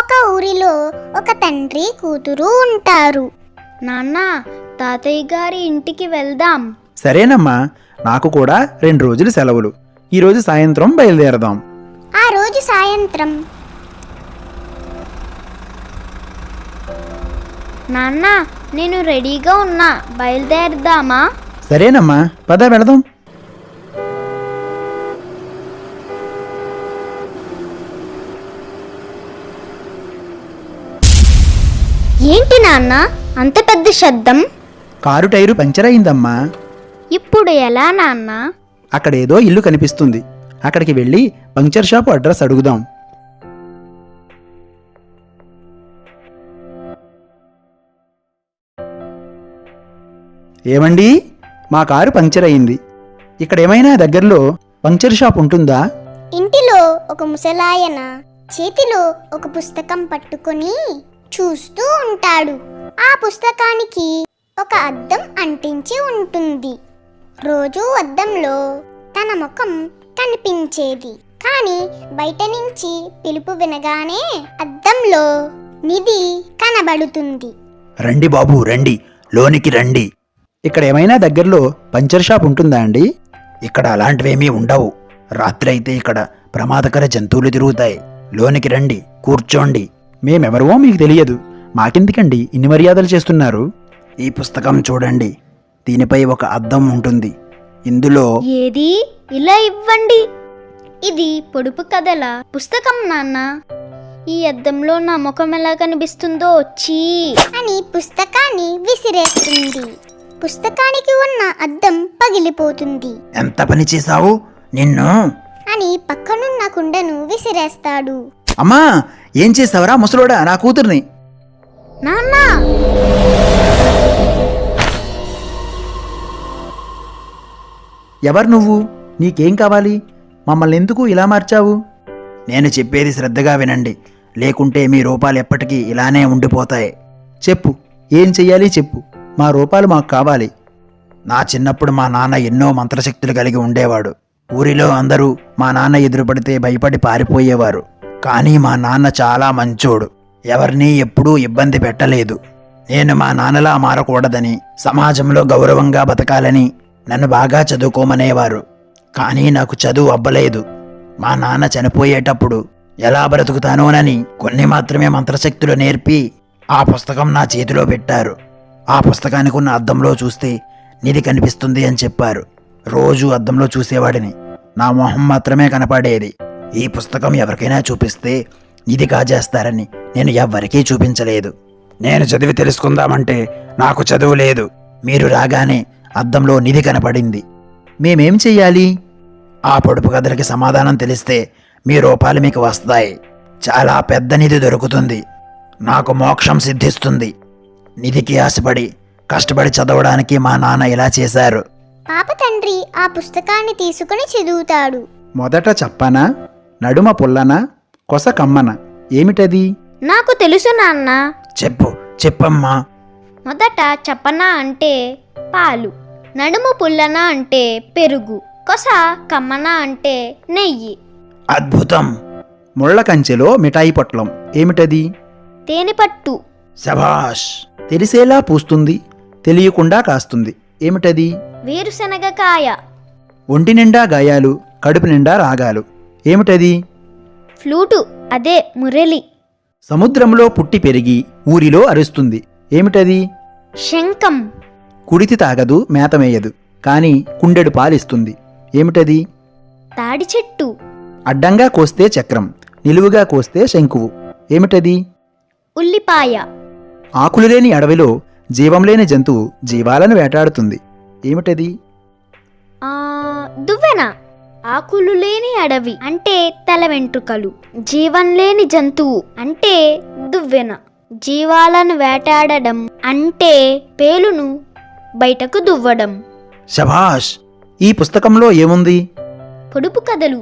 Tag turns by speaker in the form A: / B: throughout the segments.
A: ఒక ఊరిలో ఒక తండ్రి కూతురు ఉంటారు.
B: నాన్న, తాతయ్య గారి ఇంటికి వెళ్దాం.
C: సరేనమ్మా, నాకు కూడా 2 రోజులు సెలవులు. ఈరోజు సాయంత్రం బయలుదేరదాం.
A: ఆ రోజు సాయంత్రం
B: నాన్న, నేను రెడీగా ఉన్నా, బయలుదేరదామా?
C: సరేనమ్మా, పద వెళదాం.
B: ఏంటి నాన్న అంత పెద్ద శబ్దం?
C: కారు టైరు పంచర్ అయిందమ్మా.
B: ఇప్పుడు ఎలా నాన్న?
C: అక్కడేదో ఇల్లు కనిపిస్తుంది. అక్కడికి వెళ్ళి పంక్చర్ షాపు అడ్రస్ అడుగుదాం. ఏమండి, మా కారు పంక్చర్ అయింది. ఇక్కడ ఏమైనా దగ్గరలో పంక్చర్ షాప్ ఉంటుందా?
A: ఇంటిలో ఒక ముసలాయన చేతిలో ఒక పుస్తకం పట్టుకొని చూస్తూ ఉంటాడు. ఆ పుస్తకానికి ఒక అద్దం అంటించి ఉంటుంది. రోజు అద్దంలో తన ముఖం కనిపించేది. కానీ బయట నుంచి పిలుపు వినగానే అద్దంలో నిధి కనబడుతుంది.
C: రండి బాబు, రండి, లోనికి రండి. ఇక్కడ ఏమైనా దగ్గరలో పంక్చర్ షాప్ ఉంటుందా అండి? ఇక్కడ అలాంటివేమీ ఉండవు. రాత్రి అయితే ఇక్కడ ప్రమాదకర జంతువులు తిరుగుతాయి. లోనికి రండి, కూర్చోండి. మేమెవరో మీకు తెలియదు. మాకెందుకండి ఇన్ని మర్యాదలు చేస్తున్నారు? ఈ పుస్తకం చూడండి. దీనిపై ఒక అద్దం ఉంటుంది. ఇందులో
B: ఏది? ఇలా ఇవ్వండి. ఇది పొడుపు కథల పుస్తకం నాన్న. ఈ అద్దంలో నా ముఖం ఎలా కనిపిస్తుందో చీ
A: అని పుస్తకాన్ని విసిరేస్తుంది. పుస్తకానికి ఉన్న అద్దం పగిలిపోతుంది.
C: ఎంత పని చేశావు నిన్ను?
A: అని పక్కనున్న కుండను విసిరేస్తాడు.
C: అమ్మా, ఏం చేసావరా ముసలోడా నా కూతుర్ని?
B: నాన్న,
C: ఎవరు నువ్వు? నీకేం కావాలి? మమ్మల్ని ఎందుకు ఇలా మార్చావు? నేను చెప్పేది శ్రద్ధగా వినండి, లేకుంటే మీ రూపాలు ఎప్పటికీ ఇలానే ఉండిపోతాయి. చెప్పు, ఏం చెయ్యాలి చెప్పు. మా రూపాలు మాకు కావాలి. నా చిన్నప్పుడు మా నాన్న ఎన్నో మంత్రశక్తులు కలిగి ఉండేవాడు. ఊరిలో అందరూ మా నాన్న ఎదురుపడితే భయపడి పారిపోయేవారు. కానీ మా నాన్న చాలా మంచోడు. ఎవరినీ ఎప్పుడూ ఇబ్బంది పెట్టలేదు. నేను మా నాన్నలా మారకూడదని, సమాజంలో గౌరవంగా బతకాలని నన్ను బాగా చదువుకోమనేవారు. కానీ నాకు చదువు అబ్బలేదు. మా నాన్న చనిపోయేటప్పుడు ఎలా బ్రతుకుతానోనని కొన్ని మాత్రమే మంత్రశక్తులు నేర్పి ఆ పుస్తకం నా చేతిలో పెట్టారు. ఆ పుస్తకానికి ఉన్న అద్దంలో చూస్తే నిధి కనిపిస్తుంది అని చెప్పారు. రోజు అద్దంలో చూసేవాడిని. నా మొహం మాత్రమే కనపడేది. ఈ పుస్తకం ఎవరికైనా చూపిస్తే నిధి కాజేస్తారని నేను ఎవ్వరికీ చూపించలేదు. నేను చదివి తెలుసుకుందామంటే నాకు చదువు లేదు. మీరు రాగానే అద్దంలో నిధి కనపడింది. మేమేం చెయ్యాలి? ఆ పొడుపు కథలకి సమాధానం తెలిస్తే మీ రూపాలు మీకు వస్తాయి. చాలా పెద్ద నిధి దొరుకుతుంది. నాకు మోక్షం సిద్ధిస్తుంది. నిధికి ఆశపడి కష్టపడి చదవడానికి మా నాన్న ఇలా చేశారు.
A: పాప తండ్రి ఆ పుస్తకాన్ని తీసుకుని చదువుతాడు.
C: మొదట చెప్పనా, నడుమ పుల్లనా, కొస కమ్మన, ఏమిటది?
B: నాకు తెలుసు నాన్న.
C: చెప్పు, చెప్పమ్మా.
B: మొదట చప్పన అంటే పాలు, నడుము పుల్లన అంటే పెరుగు, కొస కమ్మన అంటే నెయ్యి.
C: అద్భుతం. ముళ్ళ కంచెలో మిఠాయి పొట్లం, ఏమిటది?
B: తేనెపట్టు.
C: శభాష్. తెలిసేలా పూస్తుంది, తెలియకుండా కాస్తుంది, ఏమిటది?
B: వేరుశనగకాయ.
C: ఒంటి నిండా గాయాలు, కడుపు నిండా రాగాలు, ఏమిటది?
B: ఫ్లూటు, అదే మురళి.
C: సముద్రంలో పుట్టి పెరిగి ఊరిలో అరుస్తుంది, ఏమిటది?
B: శంఖం.
C: కుడితి తాగదు, మేతమేయదు, కానీ కుండెడు పాలిస్తుంది, ఏమిటది?
B: తాడి చెట్టు.
C: అడ్డంగా కోస్తే చక్రం, నిలువుగా కోస్తే శంకువు, ఏమిటది?
B: ఉల్లిపాయ.
C: ఆకులు లేని అడవిలో జీవం లేని జంతువు జీవాలను వేటాడుతుంది, ఏమిటది?
B: దువ్వెన. ఆకులు లేని అడవి అంటే తల వెంట్రుకలు, జీవం లేని జంతువు అంటే దువ్వెన, జీవాలను వేటాడడం అంటే పేలును బయటకు దువ్వడం.
C: శభాష్. ఈ పుస్తకంలో ఏముంది?
B: పొడుపు కథలు.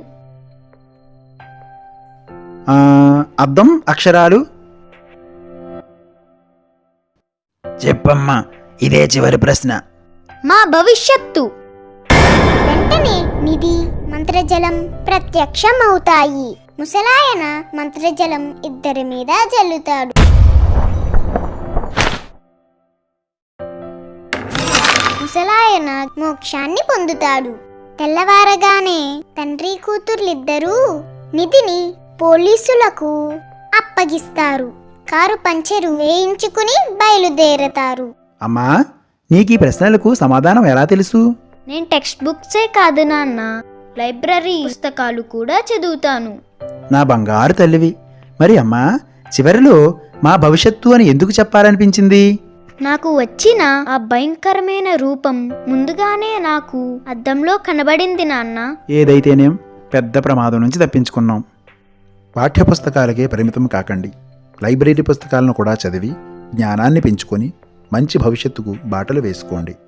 C: అద్దం, అక్షరాలు. చెప్పమ్మా, ఇదే చివరి ప్రశ్న.
B: మా భవిష్యత్తు.
A: వెంటనే నిధి, మంత్రజలం ప్రత్యక్షమవుతాయి. ముసలాయన మంత్రజలం ఇద్దరి మీద జల్లుతాడు. ముసలాయన మోక్షాన్ని పొందుతాడు. తెల్లవారగానే తండ్రి కూతుర్లిద్దరూ నిధిని పోలీసులకు అప్పగిస్తారు. కారు పంచెరు వేయించుకుని బయలుదేరతారు.
C: అమ్మా, నీకు ఈ ప్రశ్నలకు సమాధానం ఎలా తెలుసు?
B: నేను టెక్స్ట్ బుక్సే కాదు నాన్న, లైబ్రరీ పుస్తకాలు కూడా చదువుతాను.
C: నా బంగారు తల్లివి. మరి అమ్మా, చివరిలో మా భవిష్యత్తు అని ఎందుకు చెప్పాలనిపించింది?
B: నాకు వచ్చిన ఆ భయంకరమైన రూపం ముందుగానే నాకు అద్దంలో కనబడింది నాన్న.
C: ఏదైతేనేం పెద్ద ప్రమాదం నుంచి తప్పించుకున్నాం. పాఠ్యపుస్తకాలకే పరిమితం కాకండి. లైబ్రరీ పుస్తకాలను కూడా చదివి జ్ఞానాన్ని పెంచుకొని మంచి భవిష్యత్తుకు బాటలు వేసుకోండి.